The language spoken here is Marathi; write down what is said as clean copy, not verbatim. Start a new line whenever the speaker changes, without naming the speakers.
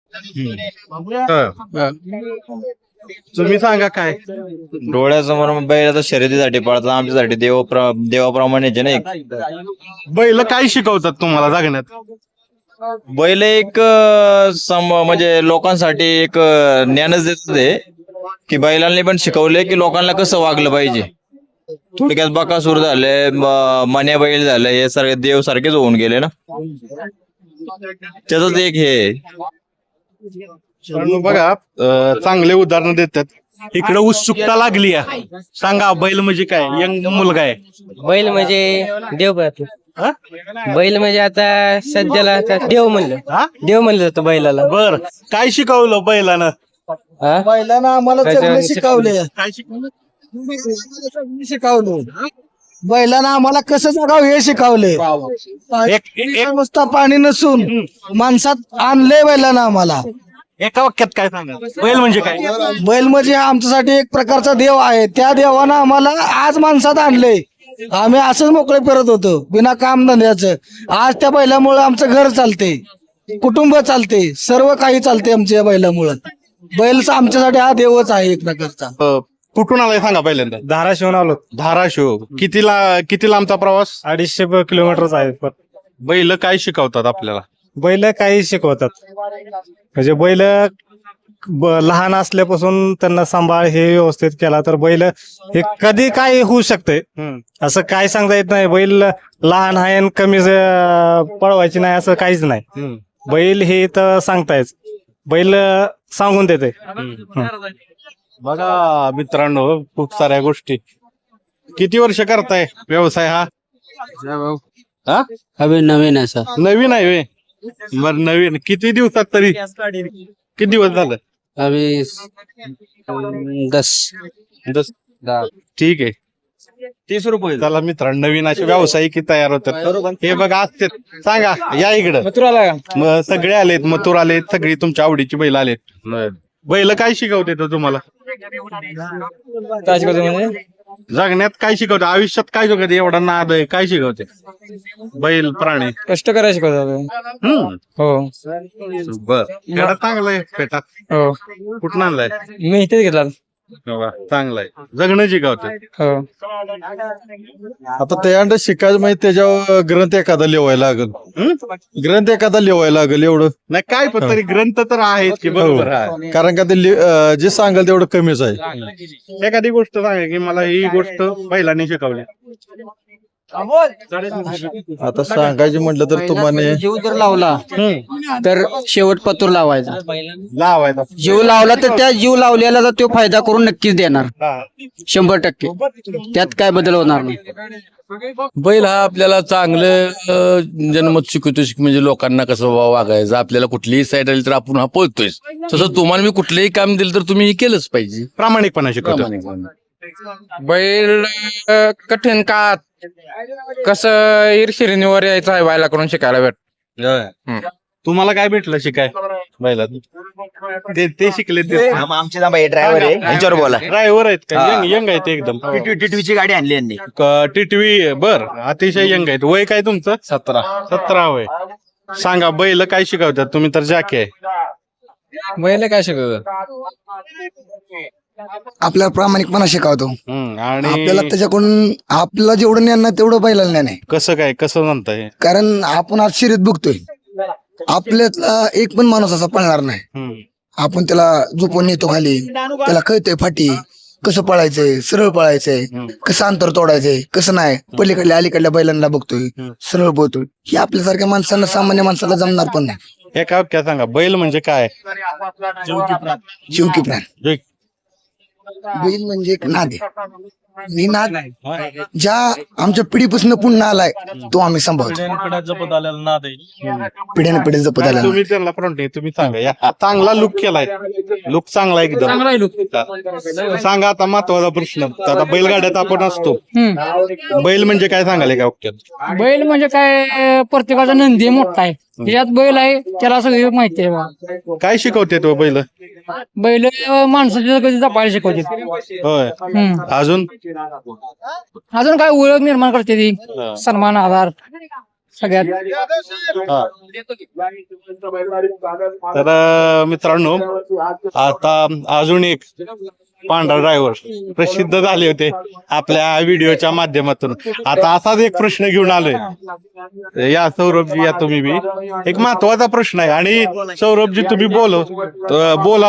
तुम्ही सांगा काय.
डोळ्यासमोर बैल आता शर्यतीसाठी पळतात, आमच्यासाठी देवाप्रमाणे ना एक
बैल काय शिकवतात तुम्हाला जगण्यात.
बैल एक म्हणजे लोकांसाठी एक ज्ञानच देत ते की बैलांनी पण शिकवले की लोकांना कसं वागलं पाहिजे. थोडक्यात बकासूर झाले, मन्या बैल झाले, हे सारखे देव सारखेच होऊन गेले ना, त्याच एक हे.
बघा चांगले उदाहरण देतात. इकडे उत्सुकता लागली आहे. सांगा बैल म्हणजे काय. यंग मुलगा आहे.
बैल म्हणजे देव.
हा?
बैल म्हणजे आता सध्याला आता देव म्हणलं जातं बैलाला.
बर काय शिकवलं बैलानं.
बैलानं आम्हाला जगणं शिकवले.
काय शिकवलं.
शिकवलं बैलानं आम्हाला कसं जगावं हे शिकवले. एक नुसता पाणी नसून माणसात आणले बैलानं आम्हाला.
एका वाक्यात काय सांगा बैल म्हणजे काय.
बैल म्हणजे हा आमच्यासाठी एक प्रकारचा देव आहे. त्या देवानं आम्हाला आज माणसात आणले. आम्ही असंच मोकळे फिरत होतो बिना काम धंद्याचं. आज त्या बैलामुळे आमचं घर चालते, कुटुंब चालते, सर्व काही चालते आमच्या बैलामुळं. बैल आमच्यासाठी हा देवच आहे एक प्रकारचा.
कुठून आलाय सांगा पहिल्यांदा.
धाराशिवून आलो.
धाराशिव. किती लांबचा प्रवास.
250 किलोमीटर आहे.
बैल काय शिकवतात आपल्याला.
बैल काही शिकवतात. म्हणजे बैल लहान असल्यापासून त्यांना सांभाळ हे व्यवस्थित केला तर बैल हे कधी काय होऊ शकतंय असं काय सांगता येत नाही. बैल लहान आहे आणि कमी पळवायची नाही असं काहीच नाही. बैल हे तर सांगतायच. बैल सांगून देते.
बघा मित्रांनो खूप साऱ्या गोष्टी. किती वर्ष करताय व्यवसाय हा.
अभि नवीन आहे सर.
नवीन आहे वे. बर नवीन किती दिवसात तरी किती दिवस झालं.
अभि 10.
ठीक आहे.
30 रुपये.
चला मित्रांनो नवीन असे व्यावसायिक तयार होतात. हे बघा असते. सांगा या इकडं. सगळे आलेत. मथुर आलेत. सगळी तुमच्या आवडीची बैल आलेत. बैल काय शिकवते तो तुम्हाला.
काय शिकवतो म्हणजे
जगण्यात काय शिकवते. आयुष्यात काय शिकवते. एवढा नाद आहे काय शिकवते. बैल प्राणी
कष्ट करायला शिकवतो. हो
बर चांगलाय पेटा.
हो
कुठं आणलाय.
मी इथेच घेतला.
चांगलाय. जगणं शिकवते.
हो
आता त्या शिकायचं म्हणजे त्याच्यावर ग्रंथ एखादा लिवायला लागल. ग्रंथ एखादा लिवायला लागल एवढं
नाही काय पण तरी ग्रंथ तर आहेत की बरोबर आहे.
कारण का ते जे सांगाल तेवढं कमीच आहे.
एखादी गोष्ट सांगा की मला ही गोष्ट बैलाने शिकवली.
आता सांगायची म्हटलं तर तुम्हाला
जीव जर लावला तर शेवट पतूर लावायचा.
लावायचा.
जीव लावला तर त्या जीव लावलेला तो फायदा करून नक्कीच देणार 100%. त्यात काय बदल होणार नाही.
बैल हा आपल्याला चांगलं जन्मत शिकवतो. म्हणजे लोकांना कसं वागायचं. आपल्याला कुठलीही साईड आली तर आपण हा पळतोय. तसं तुम्हाला मी कुठलंही काम दिलं तर तुम्ही हे केलंच पाहिजे.
प्रामाणिकपणा शिकवतो.
बैल कठीण काळात कसं ईर्षिरीवर यायचं आहे बैला करून शिकायला भेट.
तुम्हाला काय भेटलं शिकाय बैलात. ते शिकले ते
आमचे ड्रायव्हर आहे यांच्यावर बोला.
ड्रायव्हर आहेत का. यंग आहेत एकदम.
टिटवीची गाडी आणली यांनी.
टिटवी. बर अतिशय यंग आहेत. वय काय तुमचं. 17 वय. सांगा बैल काय शिकवतात. तुम्ही तर जाके आहे.
बैल काय शिकवतो.
आपल्याला प्रामाणिकपणा शिकवतो.
आणि
आपल्याला त्याच्याकडून आपल्याला जेवढं ज्ञान नाही तेवढं बैलाला ज्ञान आहे.
कसं म्हणताय.
कारण आपण आज शर्यत बघतोय. आपल्यातला एक पण माणूस असा पळणार नाही. आपण त्याला झोपून नेतो खाली. त्याला कळतंय फाटी कसं पळायचंय. सरळ पळायचंय. कसं अंतर तोडायचंय. कसं नाही. पलीकडल्या अलीकडल्या बैलांना बघतोय सरळ बोलतोय. हे आपल्यासारख्या माणसांना सामान्य माणसाला जमणार पण नाही.
एका वाक्यात सांगा बैल म्हणजे काय.
जीव की प्राण. बैल म्हणजे एक नाद आहे. आणि नाद ज्या आमच्या पिढीपासून पुन्हा आलाय तो आम्ही सांभाळतो. पिढ्याने पिढी जपत आलेला.
तुम्ही त्यांना फ्रंट तुम्ही सांगा. या चांगला लुक केलाय. लुक चांगला एकदम. सांगा आता महत्वाचा प्रश्न. आता बैलगाड्यात आपण असतो. बैल म्हणजे काय सांगाल एका वाक्यात.
बैल म्हणजे काय प्रत्येकाचा नंदी मोठा आहे. त्याच्यात बैल आहे त्याला सगळी माहिती आहे.
काय शिकवते तो बैल.
बैल माणसाची कधी जपायला शिकवते.
होय. अजून
अजून काय ओळख निर्माण करते ती. सन्मान आधार. सगळ्यात.
हा. तर मित्रांनो, आता अजून एक पांढरा ड्रायव्हर प्रसिद्ध झाले होते आपल्या व्हिडिओच्या माध्यमातून. आता असाच एक प्रश्न घेऊन आलोय. या सौरभजी, या तुम्ही बी. एक महत्वाचा प्रश्न आहे आणि सौरभजी तुम्ही बोला